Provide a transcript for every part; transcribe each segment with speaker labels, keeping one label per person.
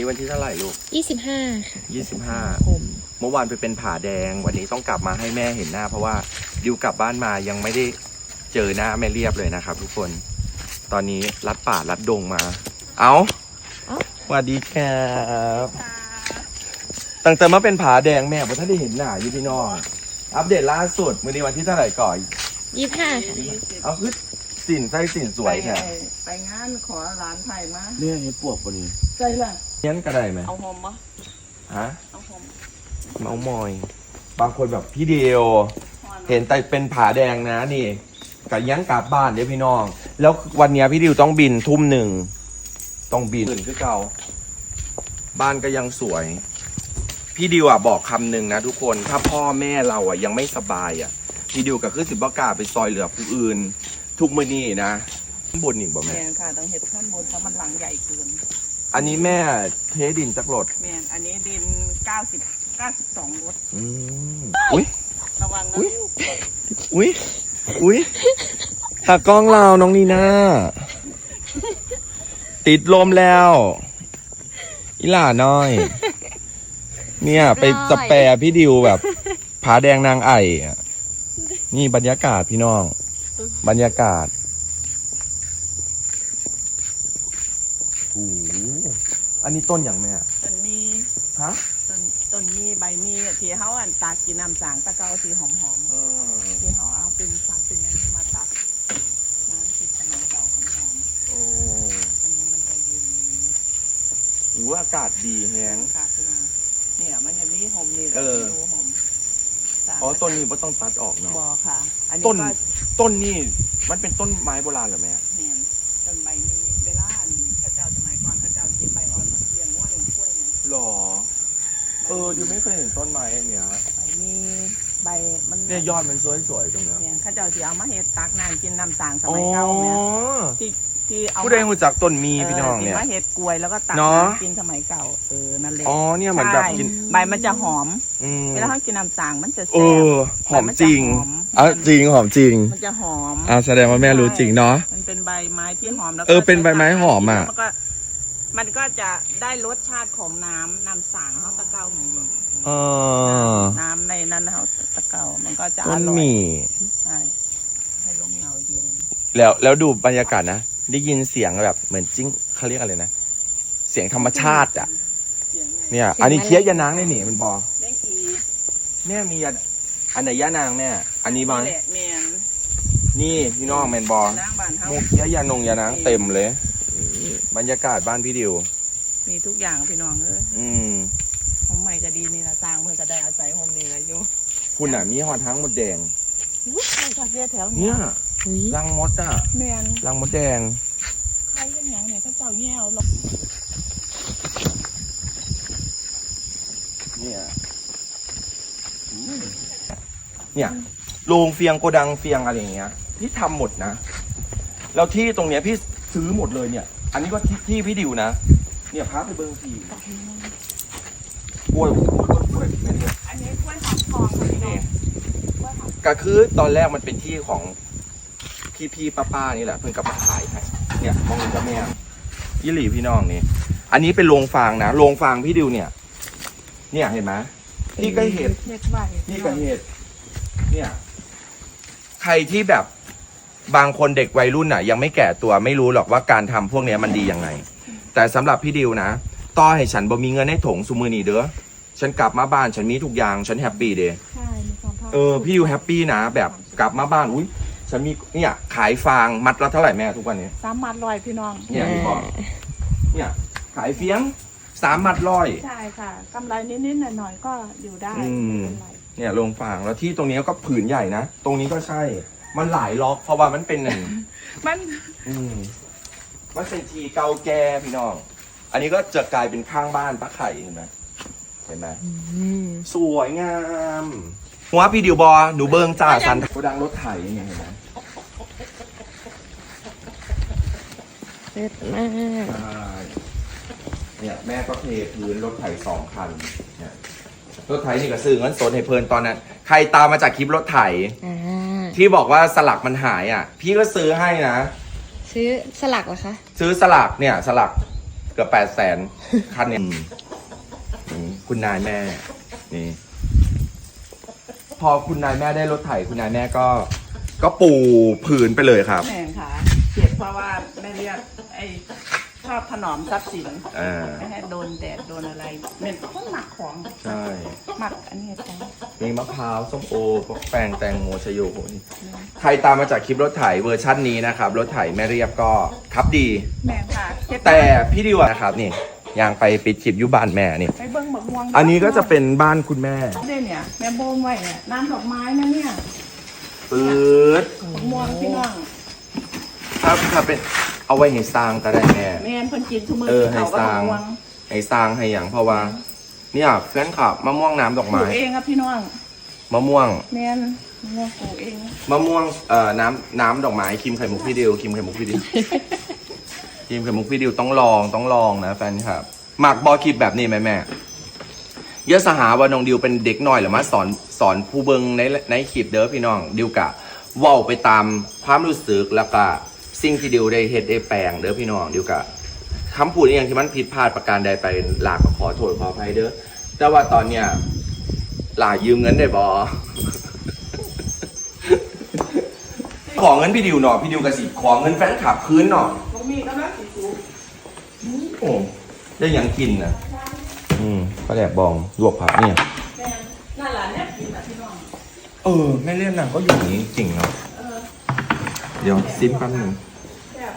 Speaker 1: นี่วันที่เท่าไหร่ลูก
Speaker 2: 25 ค่ะ
Speaker 1: 25เมื่อวานไปเป็นผาแดงวันนี้ต้องกลับมาให้แม่เห็นหน้าเพราะว่าดิวกลับบ้านมายังไม่ได้เจอหน้าแม่เรียบเลยนะครับทุกคนตอนนี้ลัดป่าลัดดงมาสวัสดีครับตั้งแต่มาเป็นผาแดงแม่พอท่านได้เห็นหน้าอยู่พี่น้องอัปเดตล่าสุดมื้อนี้วันที่เท่าไหร่ก่อน
Speaker 2: 25 ค่ะ
Speaker 1: เอาคือสินไส้สินสวยแท้
Speaker 3: ไปงานขอร้านไทยมา
Speaker 1: เนี่ยเห็ดปวกปะนี้
Speaker 3: ใช่ละ
Speaker 1: เงี้ยนกระไดไหม
Speaker 3: เอาหอมปะ
Speaker 1: ฮะ
Speaker 3: เอาหอม
Speaker 1: เมามอยบางคนแบบพี่เดียวเห็นแต่เป็นผาแดงนะนี่กับยันกลับบ้านเดี๋ยวพี่น้องแล้ววันนี้พี่ดิวต้องบินทุ่มหนึ่งต้องบินตื่นคือเก่าบ้านก็ยังสวยพี่ดิวบอกคำหนึ่งนะทุกคนถ้าพ่อแม่เรายังไม่สบายพี่ดิวก็คือสิบกล้าไปซอยเหลือผู้อื่นทุกมื้อนี้นะบนหนิบ่แม่
Speaker 3: ค่ะต้องเห็ดขั้นบนเพราะมันหลังใหญ่เกิน
Speaker 1: อันนี้แม่เทดินจักรถ
Speaker 3: แม่อันนี้ดิน92 รถ
Speaker 1: อุ้ย
Speaker 3: ระวังนะ
Speaker 1: อุ้ยตากล้องเราน้องนีน่าติดลมแล้วอีหล่าน้อยเนี่ยไปสแปรพี่ดิวแบบผาแดงนางไอ่นี่บรรยากาศพี่น้องบรรยากาศโอ้อันนี้ต้นอย่างแม่
Speaker 3: ต้นมี
Speaker 1: ฮะ
Speaker 3: ต้นมีใบมีที่เขาตากกินน้ำสางตะเกาที่หอมๆที่เขาเอาเป็นสางเป็นอันนี้มาตักน้ำที่สมัยเก่าหอมๆอันนี้มันจะเย็น
Speaker 1: อากาศดีแฮง
Speaker 3: ค่ะพี่น้องเนี่ยมันจะมีหอมนี่ดูหอม
Speaker 1: ต้นนี้ไม่ต้องตัดออกเนาะ
Speaker 3: บ่ค่ะ
Speaker 1: ต้นนี่มันเป็นต้นไม้โบราณเหรอแม่
Speaker 3: เนี่ยต้นใบมีเวลาข้าเจ้าสมัยก่อนข้าเจ้ากินใบอ่อนมันเลี้ยงว่าเลี้ยงกล้วยเนี่ย
Speaker 1: หรอดิวไม่เคยเห็นต้นไม้เนี่ย
Speaker 3: ใบมีใบมัน
Speaker 1: เนี่ยยอดมันสวยๆตรงนี้
Speaker 3: เนี่ยข้าเจ้าที่เอามาเฮ็ดตักน้ำกินน้ำสางสมัยเก่าเนี่ยที่เอา
Speaker 1: ผู้ใดรู้จักต้นมีพี่น้องเนี่ย
Speaker 3: มาเฮ็ดกล้วยแล้วก็ตักน้ำกินสมัยเก่านั่นเลย
Speaker 1: เนี่ยเหมือนแบบกิน
Speaker 3: ใบมันจะหอมเวลาเขากินน้ำสางมันจะแซ่บ
Speaker 1: หอมจริงจริงหอมจริง
Speaker 3: มันจะหอม
Speaker 1: แสดงว่าแม่รู้จริงเนาะ
Speaker 3: มันเป็นใบไม้ที่หอมแล้ว
Speaker 1: เป็นใบไม้หอม
Speaker 3: มันก็จะได้รสชาติของน้ำสางเขาตะเกาเหมือนน้ำในนั้นเขาตะเกามันก็จะอร่อยใช่ให้ลมเงาเย็น
Speaker 1: แล้วดูบรรยากาศนะได้ยินเสียงแบบเหมือนจิ้งเขาเรียกอะไรนะเสียงธรรมชาติเนี่ยอันนี้เคี้ยยานางได้หนิมันบอกเนี่ยมีอันไหนยานางเนี่ยอันนี้บอนี่พี่น้องแมนบอมูเคี้ยยานางเต็มเลยบรรยากาศบ้านพี่ดิว
Speaker 3: มีทุกอย่างพี่น้องห้องใหม่ก็ดีนี่นะสร้างเพื่อจะได้อาศัยห้องนี้เลยอยู่
Speaker 1: คุณมีหอทั้งหมดแดง
Speaker 3: แถว
Speaker 1: นี้รังมด
Speaker 3: แมน
Speaker 1: รังมดแดง
Speaker 3: ใครเป็นอย่างเนี่ยก็เจ้าแย่หรอก
Speaker 1: เนี่ยโรงเฟียงโกดังเฟียงอะไรอย่างเงี้ยพี่ทำหมดนะแล้วที่ตรงเนี้ยพี่ซื้อหมดเลยเนี่ยอันนี้ก็ที่พี่ดิวนะเนี่ยพาไปเบิ้งทีกล้วย
Speaker 3: อันนี้กล้วยหอมทองค่ะ
Speaker 1: ก็คือตอนแรกมันเป็นที่ของพี่ป้านี่แหละเพิ่งกลับมาขายให้เนี่ยมองเห็นกับแม่ยี่หลี่พี่น้องนี่อันนี้เป็นโรงฟางนะโรงฟางพี่ดิวเนี่ยเห็นไหมนี่ก็เห็ดนี่ก็เห็ดเนี่ยใครที่แบบบางคนเด็กวัยรุ่นยังไม่แก่ตัวไม่รู้หรอกว่าการทำพวกนี้มันดียังไงแต่สำหรับพี่ดิวนะต่อให้ฉันบ่มีเงินให้ถงซุมือนี่เด้อฉันกลับมาบ้านฉันมีทุกอย่างฉันแฮปปี้เด้พี่ดิวแฮปปี้นะแบบกลับมาบ้านอุ้ยฉันมีเนี่ยขายฟางมัดละเท่าไหร่แม่ทุกวันนี้
Speaker 3: 3 มัด100พี่น้อง
Speaker 1: เนี่ยพี่บอกเนี่ยขายเฟี้ยง3 มัด100
Speaker 3: ใช่ค่ะกำไรนิดๆหน่อยๆก็อยู่ได้
Speaker 1: เนี่ยโรงฟางแล้วที่ตรงนี้ก็ผืนใหญ่นะตรงนี้ก็ใช่มันหลายล็อกเพราะว่ามันเป็นมันเป็นทีเก่าแก่พี่น้องอันนี้ก็จะกลายเป็นข้างบ้านป้าไข่เห็นไหมสวยงามหัวพี่ดิวบอหนูเบิงจ่าสันโกดังรถไถยังไงเห็นไหม
Speaker 2: เลิศมาก
Speaker 1: เนี่ยแม่ก็เทพื้นรถไถ2 คันเนี่ยรถไถนี่ก็ซื้อเงินสดให้เพลินตอนนั้นใครตามมาจากคลิปรถไถที่บอกว่าสลักมันหายพี่ก็ซื้อให้นะ
Speaker 2: ซื้อสลักเหรอคะ
Speaker 1: ซื้อสลักเนี่ยสลักเกือบ800,000คันเนี่ยคุณนายแม่นี่พอคุณนายแม่ได้รถไถคุณนายแม่ก็ปูผืนไปเลยครับ
Speaker 3: แม่ค่ะเจ็บเพราะว่าแม่เรียกไอ้ชอบถนอมทรัพย์สินไม่ให้โดนแดดโดนอะไรเป็นคนหมักของ
Speaker 1: ใช่
Speaker 3: หมักอันนี้จ้ะ
Speaker 1: มีมะพร้าวส้มโอพวกแป้งแตงโมชโยโหนี่ใครตามมาจากคลิปรถไถเวอร์ชั่นนี้นะครับรถไถแม่เรียบก็ขับดี
Speaker 3: แม่ค่ะเจ็บ
Speaker 1: แต่พี่ดิวนะครับนี่ยางไปปิดคลิปอยุบ้านแม่นี่
Speaker 3: ไปเบิ้งบักม่วง
Speaker 1: อันนี้ก็จะเป็นบ้านคุณแม่
Speaker 3: เนี่ยแม่โบมไว้เนี่ยน้ำดอกไม้นะเนี่ย
Speaker 1: ปื๊ด
Speaker 3: บักม่วงพี่น้อง
Speaker 1: ถ้าเป็นเอาไว้ให้สร้างก็ได้แม่
Speaker 3: แม่เพิ่นกินทุกมื้
Speaker 1: ให้
Speaker 3: เขาก็
Speaker 1: สร้า
Speaker 3: บั
Speaker 1: ง
Speaker 3: กม่วง
Speaker 1: ให้สร้างให้อย่างเพราะว่า เนี่ยแฟนคลับมะม่วงน้ำดอก
Speaker 3: ปลู
Speaker 1: ไม้
Speaker 3: กเองครับพี่น้อง
Speaker 1: มะม่วง
Speaker 3: แม่นมะม่วงปลูกเอง
Speaker 1: มะม่วงน้ำดอกไม้ครีมไข่มุกพี่ดิวครีมไข่มุกพี่ดิว ครีมไข่มุกพี่ดิวต้องลองนะแฟนคลับหมักบอคลิปแบบนี้ไหมแม่เยอะสหาว่าน้องดิวเป็นเด็กน้อยหรือมาสอนผู้เบิงในคลิปเด้อพี่น้องดิวกะเว้าไปตามความรู้สึกแล้วก็สิ่งที่ดิวได้เฮ็ดได้แปลงเด้อพี่น้องดิวกะคำพูดอย่างที่มันผิดพลาดประการใดไปหลากก็ขอโทษขออภัยเด้อแต่ว่าตอนเนี้ยหลายืมเงินได้บอ ขอเงินพี่ดิวหน่อยพี่ดิวกระสิขอเงินแฟนคลับคืนหน่อย
Speaker 3: บ่มีก็น่าสิสูง
Speaker 1: โอ้ได้หยังกินนะก็แดกบองลวกผักเนี่ย
Speaker 3: แม่นั่นล่ะเนี่ยกินน่ะพี่น้อง
Speaker 1: แม่เลี่ยนนางก็อยู่อย่างนี้จริงเนาะเดี๋ยวซิมแป๊บหนึง
Speaker 3: แซ่บ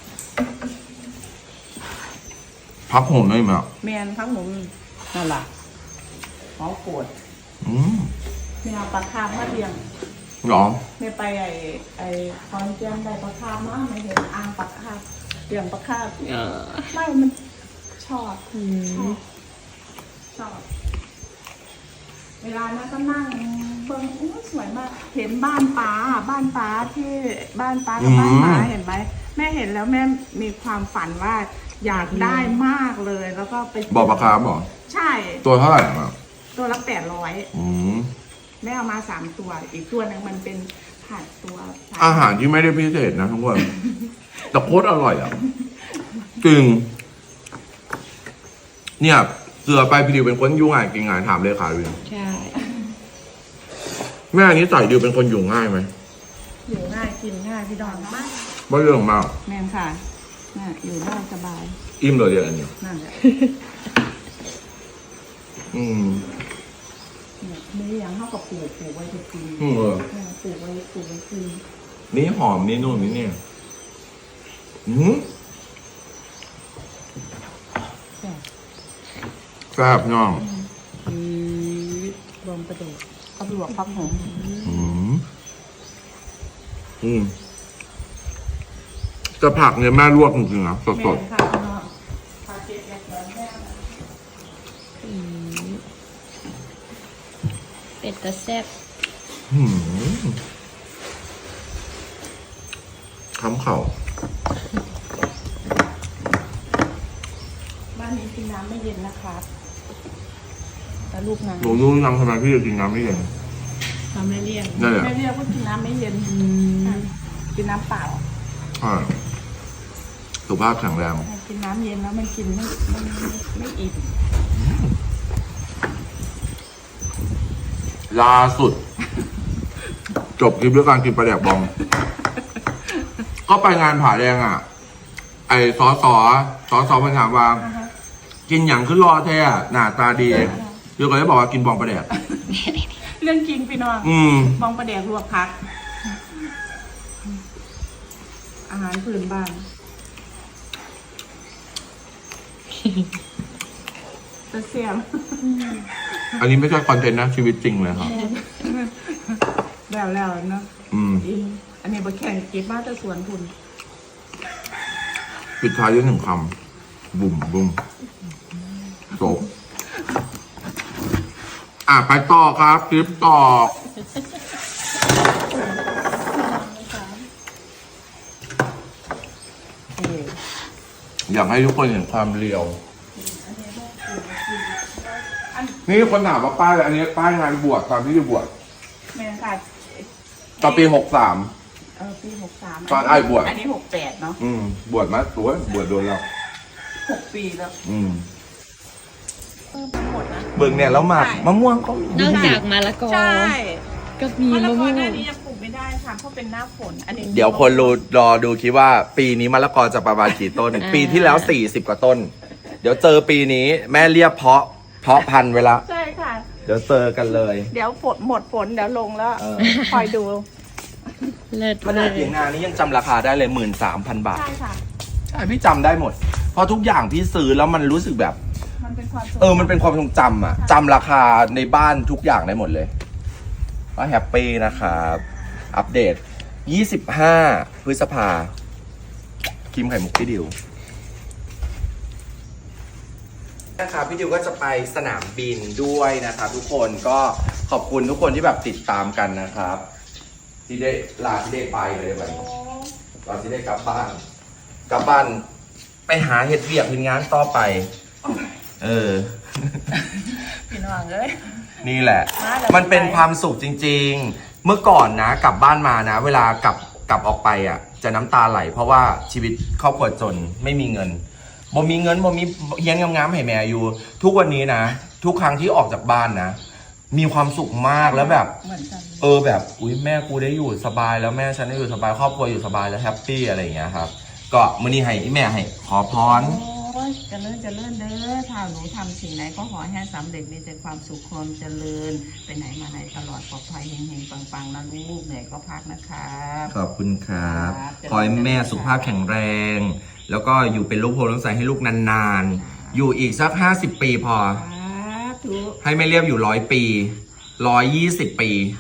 Speaker 1: พักผมได้ไหมอ่ะ
Speaker 3: แม่นพักหนุ่มนั่นล่ะหอโกด แม่เอาปลาคาร์ฟมาเลี้ยง
Speaker 1: หรอ
Speaker 3: แม่ไปไอ้คอนเจนได้ปลาคาร์ฟมาไม่เห็นอ่างปลาคาร์ฟเลี้ยงปลาคาร์ฟไม่มันชอบชอบเวลานั้นก็นั่งเบิ่งอู้สวยมากเห็นบ้านป้าที่บ้านป้ากับบ้านป้าเห็นไหมแม่เห็นแล้วแม่มีความฝันว่าอยากได้มากเลยแล้วก็ไป
Speaker 1: บอกราคาบอก
Speaker 3: ใช่
Speaker 1: ตัวเท่าไหร่อ่ะ
Speaker 3: ตัวละ800แม่เอามา3ตัวอีกตัวหนึงมันเป็นผัดตัว
Speaker 1: อาหารที่ไม่ได้พิเศษนะทุกคนแต่โคตรอร่อยอ่ะจริงเนี่ยเสือไปพี่ดิวเป็นคนยุ่งง่ายกินงานถามเลยค่ะวิน
Speaker 2: ใช่
Speaker 1: แม่นี้ใส่ดิวเป็นคนอยู่ง่ายไหม
Speaker 3: อยู่ง่ายกินง่ายพี่ดอนมาก
Speaker 1: ไม่เรื่องมาก
Speaker 3: แม่นค่ะน่ะอยู่ได้สบาย
Speaker 1: อิ่มเลยเดี๋ยวอันนี้
Speaker 3: นั่นแหละ เนี่ยมีอย่างเท่ากับปลูกไว้จะกินปลูกไว้กิน
Speaker 1: นี่หอมนี่นู่นนี่เนี่ยแซ่บน้อง
Speaker 3: รวมประเดี๋ยวเอาไปลวกพักหอม
Speaker 1: จะผักเนี่ยแม่ลวกจริงๆนะส
Speaker 3: แม่
Speaker 1: ด
Speaker 3: ค่ะพี่น้องพาเก็บแบบแม่
Speaker 2: เป็ดตะแซ่บ
Speaker 1: คำเข่า
Speaker 3: บ้านนี้กินน้ำไม่เย็นนะครับแต่ลูกน้ำ
Speaker 1: หนูรู้ยังทำไมพี่จะกินน้ำไม่เย็น
Speaker 2: ทำไม่เลี่ยง
Speaker 1: นั่นแหละ
Speaker 3: แม่เรียกว่ากินน้ำไม่เย็นกินน้ำเปล่า
Speaker 1: ใช่สุขภาพแข็งแรง
Speaker 3: กินน้ำเย็นแล้วมันกินไม่อิ่ม
Speaker 1: ล่าสุด จบคลิปด้วยการกินปลาแดกบอง ก็ไปงานผาแดงอ่ะ ไอ้สอมันถามว่า กินอย่างขึ้นรอแท้อะหน้าตาดีเดี๋ยวก็เลยบอกว่ากินบองปลาแดก
Speaker 3: เรื่องจริงพี่น้อง บองประแดกลวกพัก อาหารพื้นบ้านจะเสียม
Speaker 1: อันนี้ไม่ใช่คอนเทนต์นะ ชีวิตจริงเลยครับ
Speaker 3: แล้วเนาะอินอันนี้บะแข่งกินมาแต่สวนคุณ
Speaker 1: ปิดท้ายด้วยหนึ่งคำบุ่มจบไปต่อครับคลิปต่อ อยากให้ทุกคนเห็นความเรียว นี่คนถามว่าป้ายอันนี้ป้ายงานบวชตอนที่จะบวช
Speaker 3: แม่ค่ะ
Speaker 1: ตอนปี63
Speaker 3: ปี63
Speaker 1: ตอนไอ้บวช
Speaker 3: อันนี้68เนาะ
Speaker 1: บวชมาตัวบวชโดนแล้ว
Speaker 3: 6 ปีแล้ว หมดนะ
Speaker 1: เบิ่งเนี่ยแล้วหมากมะม่วงก็มี
Speaker 2: นอกจากมะละกอ
Speaker 3: ใช่
Speaker 2: ก็มี
Speaker 3: มะละ
Speaker 2: มะ
Speaker 3: ก
Speaker 2: ม่
Speaker 3: อ
Speaker 2: วง
Speaker 3: หน้านี้ยังปลูกไม่ได้ค่ะเพราะเป็นหน้าฝนอันนี้
Speaker 1: เดี๋ยวคนรอดูคิดว่าปีนี้มะละกอจะประมาณกี่ต้น ปีที่แล้ว40 กว่าต้น เดี๋ยวเจอปีนี้แม่เรียบเพาะพันธุ์ไว้ละ
Speaker 3: ใช่ค่ะ
Speaker 1: เดี๋ยวเจอกันเลย
Speaker 3: เดี๋ยวฝนหมดฝนเดี๋ยวลงแล้ว
Speaker 1: เออ
Speaker 3: คอยดู
Speaker 2: เลิศ
Speaker 1: ขนาดเถียงนานี้ยังจำราคาได้เลย 13,000 บาท
Speaker 3: ใช่ค่ะ
Speaker 1: ใช่พี่จำได้หมด เพราะทุกอย่างพี่ซื้อแล้วมันรู้สึกแบบ
Speaker 3: มันเป็นความสุข
Speaker 1: มันเป็นความทรงจำอะจำราคาในบ้านทุกอย่างได้หมดเลยก็แฮปปี้นะครับ อัปเดต 25 พฤษภาครีมไข่มุกพี่ดิวนะครับพี่ดิวก็จะไปสนามบินด้วยนะครับทุกคนก็ขอบคุณทุกคนที่แบบติดตามกันนะครับ ที่ได้ลาที่ได้ไปเลยแบบนี้ตอนที่ได้กลับบ้านไปหาเห็ดเวียกเห็นงานต่อไป
Speaker 3: พี่น้องเอ้ย
Speaker 1: นี่แหละ
Speaker 3: มาแล้ว
Speaker 1: มันเป็นความสุขจริงๆ เมื่อก่อนนะกลับบ้านมานะ เวลากลับออกไปอ่ะ จะน้ำตาไหล เพราะว่าชีวิตครอบครัวจนไม่มีเงินบ่มีเงินบ่มีเฮียนงามๆให้แม่อยู่ ทุกวันนี้นะ ทุกครั้งที่ออกจากบ้านนะ มีความสุขมากแล้วแบบ
Speaker 3: เหมือนกัน
Speaker 1: แบบอุ้ยแม่กูได้อยู่สบายแล้วแม่ฉันได้อยู่สบายครอบครัวอยู่สบายแล้วแฮปปี้อะไรอย่างเงี้ยครับ ก็มื้อนี้ให้แม่ให้ขอพร
Speaker 3: โอ้ยเจริญเด้อถ้าหนูทำสิ่งไหนก็ขอให้สำเร็จมีแต่ความสุขความเจริญไปไหนมาไหนตลอดปลอดภัยเฮงๆปังๆนะลูกเหนื่อยก็พักนะครับ
Speaker 1: ขอบคุณครับ
Speaker 3: ครับ
Speaker 1: ขอให้แม่สุขภาพแข็งแรง แล้วก็อยู่เป็นลูกโพลูกใสให้ลูกนานๆ อยู่อีกสัก50 ปีพอ
Speaker 3: ทุก
Speaker 1: ให้แม่เรียบอยู่100 ปี 120 ปี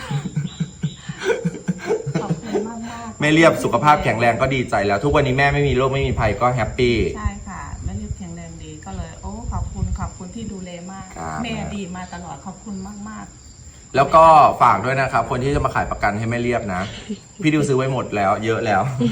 Speaker 3: ขอบคุณมากๆ
Speaker 1: แม่เรียบสุขภาพแข็งแรงก็ดีใจแล้ว ทุกวันนี้แม่ไม่มีโรคไม่มีภัยก็แฮปปี้
Speaker 3: ใช่ค่ะแม่เรียบแข็งแรงดีก็เลยโอ้ขอบคุณที่ดูแลมาก
Speaker 1: ครับ
Speaker 3: แม่ดีมาตลอดขอบคุณมาก
Speaker 1: แล้วก็ฝากด้วยนะครับ คนที่จะมาขายประกันให้แม่เรียบนะ พี่ดิวซื้อไว้หมดแล้ว เยอะแล้ว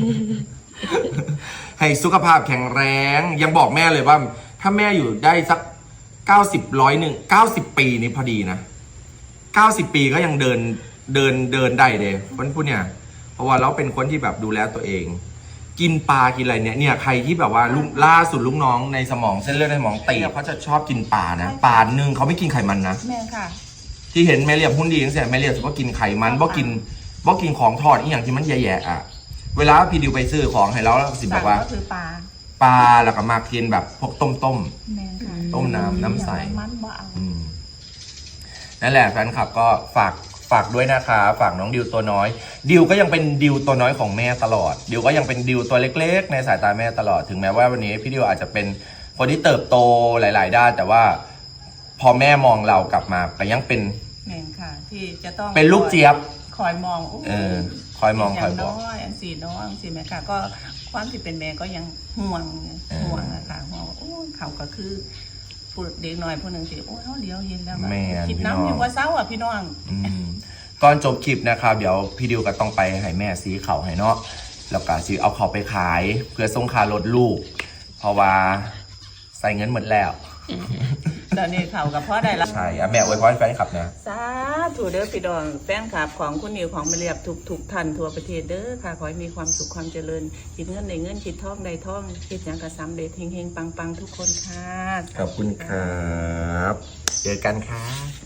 Speaker 1: ให้สุขภาพแข็งแรง ยังบอกแม่เลยว่า ถ้าแม่อยู่ได้สัก90 ปีนี้พอดีนะ90 ปีก็ยังเดินได้เลยคนพูดเนี่ย เพราะว่าเราเป็นคนที่แบบดูแลตัวเอง กินปลากินอะไรเนี่ยใครที่แบบว่าล่าสุดลูกน้องในสมองเส้นเลือดในสมองตีบเขาจะชอบกินปลานะปลาหนึ่งเขาไม่กินไขมันนะ
Speaker 3: ๆแม่ค่ะ
Speaker 1: ที่เห็นแม่เรียบหุ้นดีตั้งแต่แม่เรียบก็กินไขมันบ่กินของทอดอีกอย่างที่มันแย่ๆอ่ะเวลาพี่ดิวไปซื้อของให้เราแล้วสิบอกว่า
Speaker 3: ก็คือปลา
Speaker 1: ปลาแล้วก็มากินแบบพวกต้ม
Speaker 3: แม่ค่ะ
Speaker 1: ต้มน้ำใส
Speaker 3: มันบ่เอา
Speaker 1: นั่นแหละแฟนคลับก็ฝากด้วยนะคะฝากน้องดิวตัวน้อยดิวก็ยังเป็นดิวตัวน้อยของแม่ตลอดดิวก็ยังเป็นดิวตัวเล็กๆในสายตาแม่ตลอดถึงแม้ว่าวันนี้พี่ดิวอาจจะเป็นคนที่เติบโตหลายๆด้านแต่ว่าพอแม่มองเรากลับมาก็ยังเป็น
Speaker 3: แม่ค่ะ ที่จะต้อง
Speaker 1: เป็นลูกเจี๊ยบ
Speaker 3: คอยมองโ
Speaker 1: คอยมองคอย
Speaker 3: ย่าง
Speaker 1: บ
Speaker 3: น้
Speaker 1: อก
Speaker 3: อยอันสี่น้องสิแม่ค่ะ ก็ความที่เป็นแม่ก็ยังห่วงอะค่ะห่วงว่าโอ้เขาก็คือผู้เด็กน้อยผู้หนึ่งที่โอ้เขาเลี้ยวเห็นแล้ว
Speaker 1: แม่
Speaker 3: คิด
Speaker 1: พี่น้อง
Speaker 3: น้ำอยู่ว่าเศร้าอ่ะพี่น้อง
Speaker 1: ก่อนจบคลิปนะครับเดี๋ยวพี่ดิวก็ต้องไปให้แม่ซีเขาให้เนาะแล้วก็ซีเอาเขาไปขายเพื่อส่งค่ารถลูก เพราะว่าใส่เงินหมดแล้ว
Speaker 3: ตอนนี้เขากับพ่อได้ละ
Speaker 1: ใช่อะแม่อวยพรให้แฟนคลับนะ
Speaker 3: สาธุเด้อพี่ดองแฟนคลับของคุณนิวของมาเรียบทุกท่านทั่วประเทศเด้อค่ะขอให้มีความสุขความเจริญคิดเงินในเงินคิดทองในทองคิดอย่างกระสำเร็จเฮงๆปังๆทุกคนค่ะ
Speaker 1: ขอบคุณครับ เจอกันครับ